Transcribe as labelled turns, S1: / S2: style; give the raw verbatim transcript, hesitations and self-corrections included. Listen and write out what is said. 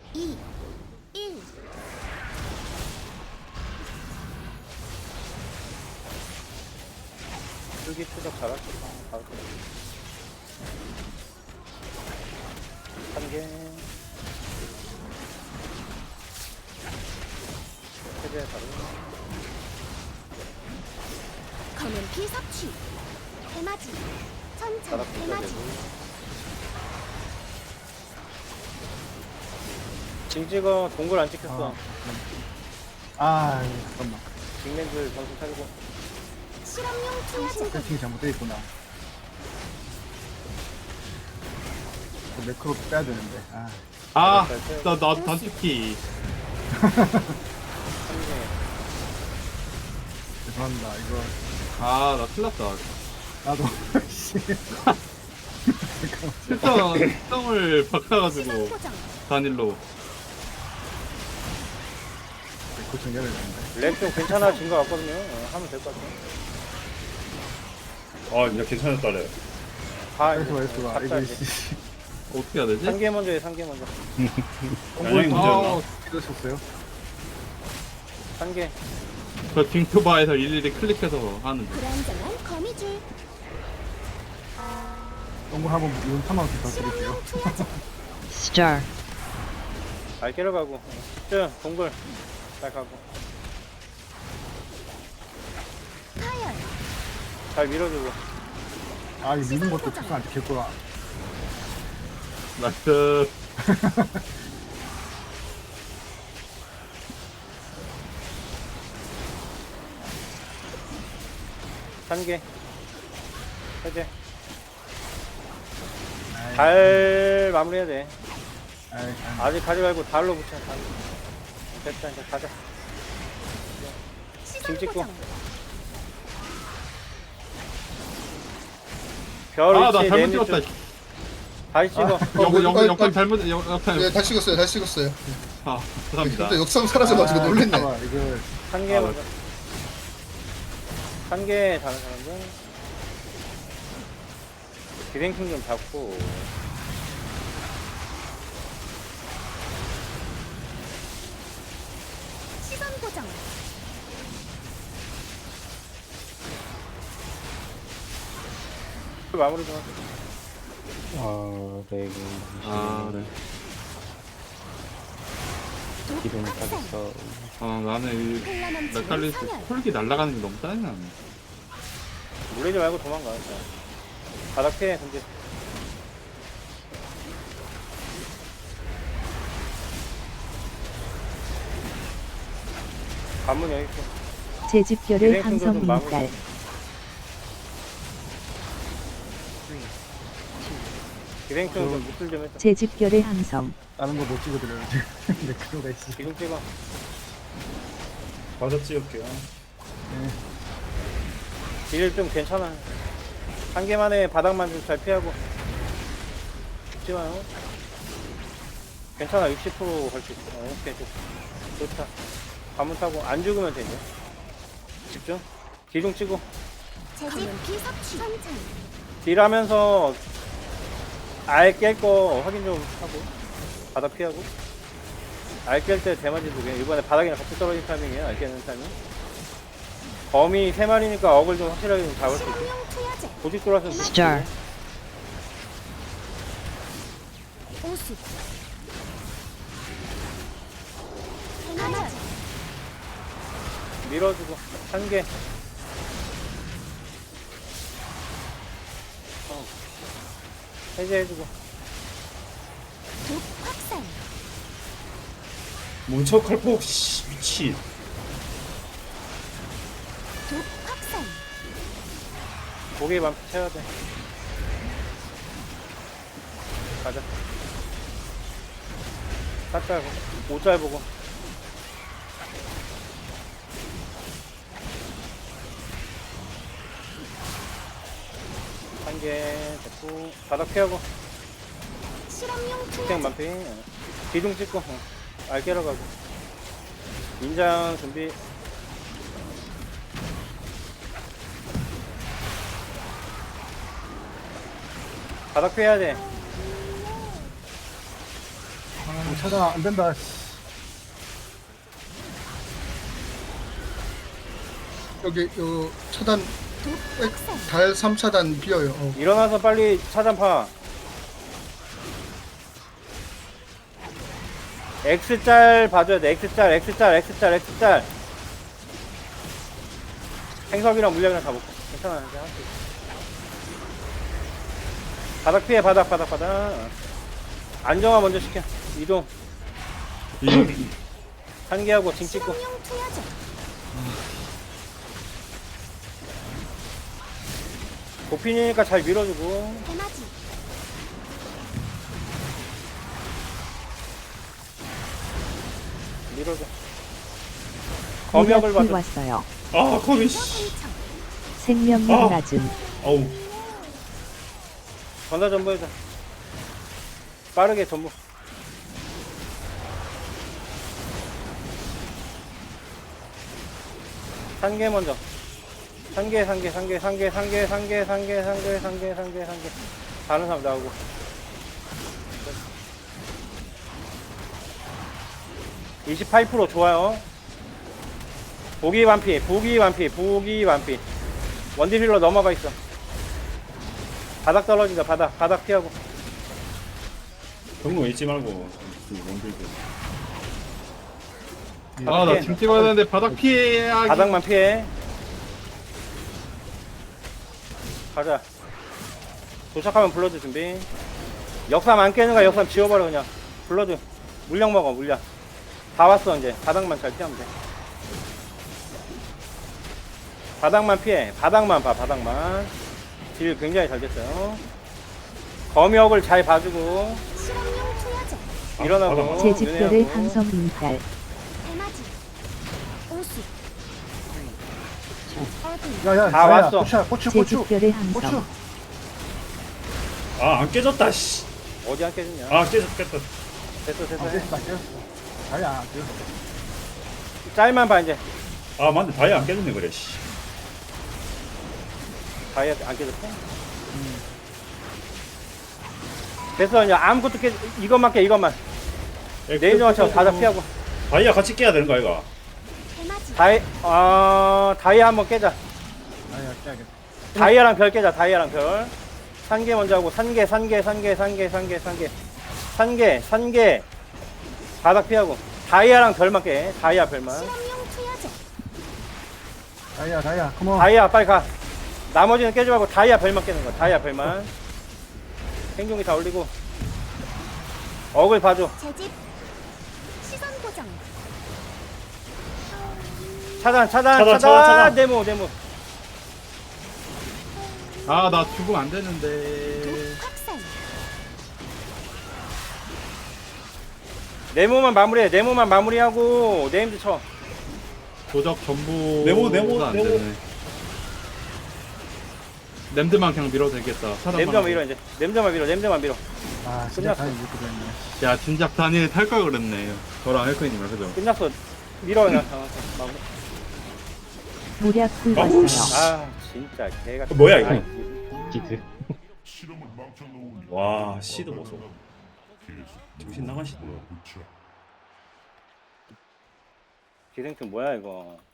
S1: 이, 일.
S2: 줄기 추적 잘할 수 있어. 바로 한 개. 세개 바로.
S1: 검은 피 섭취. 대마지. 천천
S2: 바닥 붙여야
S1: 대마지.
S2: 되고. 징 찍어. 동굴 안 찍혔어.
S3: 아, 아 잠깐만.
S2: 징맨들 정신 차리고.
S1: 실험용 투하제.
S3: 세팅이 잘못되어 있구나. 그 매크로 빼야 되는데. 아,
S4: 아, 나, 나, 단축키.
S2: 한 개.
S3: 죄송합니다. 이거
S4: 아, 나 큰일 났다.
S3: 나도 씨.
S4: 실성, 실성을 바꿔가지고,
S1: 시선 고정.
S4: 단일로.
S3: 매크로 챙겨야 되는데.
S2: 렉 좀 괜찮아진 것 같거든요. 어, 하면 될 것 같아요.
S5: 아 이제 괜찮았다래.
S2: 다
S3: 그래서 말수가
S2: 각자
S3: 이거
S2: 이제
S3: 씨.
S4: 어떻게 해야 되지?
S2: 한 개 먼저 해, 한 개 먼저.
S5: 양양이 문제였나?
S4: 아,
S3: 이러셨어요?
S2: 한 개.
S4: 저 딩크바에서 일일이 클릭해서 하는데.
S1: 불안정한 거미줄.
S3: 동굴 한번 이건 삼만 원 부탁드릴게요.
S1: 실험용 투하제.
S6: Star.
S2: 알게로 가고. 쭉, 동굴. 잘 가고.
S1: 파열.
S2: 잘 밀어주고.
S3: 아, 이 미는 것도 특수한테 개꿀아.
S4: 나이스.
S2: 한 개. 세 개.
S3: 아이,
S2: 달 마무리해야 돼.
S3: 아이, 아이.
S2: 아직 가지 말고 달로 붙여, 달로. 됐다, 이제 가자.
S1: 시선
S2: 찍고.
S1: 고정.
S2: 별
S4: 아, 나
S2: 위치
S4: 잘못
S2: 내밀
S4: 찍었다.
S2: 좀 다시 찍어.
S4: 영, 영,
S7: 빨리,
S4: 영상
S7: 빨리.
S4: 잘못, 영, 영상.
S7: 네, 다시 찍었어요. 다시 찍었어요.
S4: 아, 죄송합니다.
S7: 근데 역삼 사라져가지고
S3: 아,
S7: 놀랬네.
S3: 잠깐만, 이거
S2: 한 개
S4: 아,
S2: 먼저. 한 개 다른 사람들. 기생충 좀 잡고.
S1: 시선 고정.
S2: 마무리 좀 하자.
S8: 아, 네, 그,
S4: 아, 네.
S8: 기름
S1: 독학생.
S8: 타서
S4: 아, 나는 이,
S1: 혼란한 지원
S4: 메칼리스
S1: 사멸.
S4: 콜기 날아가는 게 너무 짜증나네.
S2: 물리지 말고 도망가. 일단. 바닥 피해, 근데. 관문 여기 있고.
S6: 제 집결을
S2: 기생충도 좀
S6: 항성
S2: 마무리.
S6: 인달.
S2: 기생충 좀 무술 좀 해줘.
S6: 제 집결을 항성.
S3: 다른 거 못 찍어드려요. 지금 매크로가 있어.
S2: 기둥 찍어.
S5: 과자 찍을게요.
S2: 딜 좀 괜찮아. 한 개만에 바닥만 좀 잘 피하고. 죽지 마요. 괜찮아. 육십 퍼센트 갈 수 있어. 어, 오케이, 좋, 좋다. 관문 타고 안 죽으면 되죠. 집중. 기둥 치고.
S1: 재집 피 섭취. 천천.
S2: 딜 하면서 알 깰 거 확인 좀 하고. 바닥 피하고. 알 깰 때 대마지 두 개. 이번에 바닥이랑 같이 떨어진 타이밍이에요. 알 깨는 타이밍. 거미 세 마리니까 어글 좀 확실하게 좀 잡을 수 있게.
S1: 실험용 투하제.
S2: 고집 돌아서
S6: Star.
S1: 오수. 대마지.
S2: 밀어주고 한 개. 어. 해제해주고.
S1: 독 확산.
S5: 뭉쳐 칼폭 씨 미친.
S1: 독 확산.
S2: 고개 맘 채워야 돼. 가자. 샷잘 보고, 오잘 보고. 한 개 됐고, 바닥 피하고,
S1: 실험용
S2: 땡
S1: 투하제.
S2: 만피. 어. 기둥 찍고, 어. 알 깨러 가고. 인장 준비. 바닥 피해야 돼.
S3: 하나 차단 안 된다.
S7: 여기 요 차단
S1: 독 확산.
S7: 달 삼 차단 비어요. 어.
S2: 일어나서 빨리 차단파. X짤 봐줘야 돼. X짤, X짤, X짤, X짤. 행석이랑 물량이랑 다 먹고. 괜찮아. 이제 할수 있어. 바닥 피해, 바닥, 바닥, 바닥. 안정화 먼저 시켜. 이동. 한개하고 징 찍고.
S1: 실험용 투여제.
S2: 도핀이니까 잘 밀어주고.
S1: 대마지.
S2: 밀어줘. 검역을
S6: 무력이
S2: 봐줘.
S6: 왔어요.
S5: 아 거미 씨.
S1: 상처.
S6: 생명력
S5: 아.
S6: 낮음.
S5: 어우.
S2: 전사 전부 해줘. 빠르게 전부. 산개 먼저. 산개, 산개, 산개, 산개, 산개, 산개, 산개, 산개, 산개, 산개, 산개. 다른 사람 나오고. 이십팔 퍼센트 좋아요. 보기 완피, 보기 완피, 보기 완피. 원딜 힐러 넘어가 있어. 바닥 떨어진다, 바닥, 바닥 피하고.
S5: 경로 잊지 말고 원딜들.
S4: 아 나 지금 찍어야 되는데 바닥 피해야.
S2: 바닥만 피해. 가자. 도착하면 불러줘, 준비. 역삼 안 깨는 거야, 역삼 지워버려, 그냥. 불러줘. 물량 먹어, 물량. 다 왔어, 이제. 바닥만 잘 피하면 돼. 바닥만 피해. 바닥만 봐, 바닥만. 딜 굉장히 잘 됐어요. 검역을 잘 봐주고.
S1: 실험용 투여제.
S2: 일어나고.
S5: 바닥만.
S6: 제 집결을
S2: 윤회하고.
S6: 항성 인탈.
S1: 대마지. 오수. 어둠.
S3: 야야,
S2: 다
S3: 야야,
S2: 왔어.
S3: 고추야, 고추,
S6: 제
S3: 고추,
S6: 집결을
S3: 고추.
S6: 항성.
S5: 아 안 깨졌다 씨.
S2: 어디 안 깨졌냐?
S5: 아 깨졌겠다.
S2: 됐어, 됐어.
S3: 아, 깨졌다, 깨졌어. 아야, 안 깨졌어.
S2: 짤만 봐, 이제.
S5: 아 맞네 다이 안 깨졌네 그래 씨.
S2: 다이아 안 깨졌어? 됐어, 이제 아무것도 깨, 이것만 깨, 이것만. 내일 맞춰 바닥 피하고.
S5: 다이아 같이 깨야 되는 거 아이가?
S1: 대마지.
S2: 다이, 어, 다이아 한번 깨자.
S3: 아야, 깨야겠다.
S2: 다이아랑 별 깨자, 다이아랑 별. 산개 먼저 하고, 산개, 산개, 산개, 산개, 산개, 산개. 산개, 산개. 바닥 피하고. 다이아랑 별만 깨, 다이아 별만.
S1: 실험용 투여제.
S3: 다이아, 다이아, 컴온.
S2: 다이아, 빨리 가. 나머지는 깨지 말고 다이아 별만 깨는 거야, 다이아 별만. 생존기 다 올리고. 억을 봐줘.
S1: 재집. 시선 고정.
S2: 차단, 차단,
S5: 차단,
S2: 차단,
S5: 차단, 차단.
S2: 네모, 네모.
S4: 아 나 죽으면 안 되는데.
S1: 확산.
S2: 네모만 마무리해, 네모만 마무리하고, 네임드 쳐.
S4: 도적 전부.
S5: 네모, 네모,
S4: 안
S5: 네모.
S4: 되네. 냄드만 그냥 밀어도 되겠다. 차단만
S2: 냄드만
S4: 하고.
S2: 밀어, 이제. 냄드만 밀어, 냄드만 밀어.
S3: 아, 진짜
S2: 끝났어.
S3: 다이 이렇게 됐네.
S4: 야 진작 단일 탈걸 그랬네. 저랑 헬크님이랑 그죠?
S2: 끝났어. 밀어, 그냥. 어, 마무리.
S6: 무력이
S5: 아우,
S6: 왔어요.
S5: 씨.
S2: 아, 진짜, 개가.
S5: 뭐야, 이거?
S8: 기드.
S5: 와 씨도 보소. 정신 나간 씨도.
S2: 기생충 뭐야, 이거.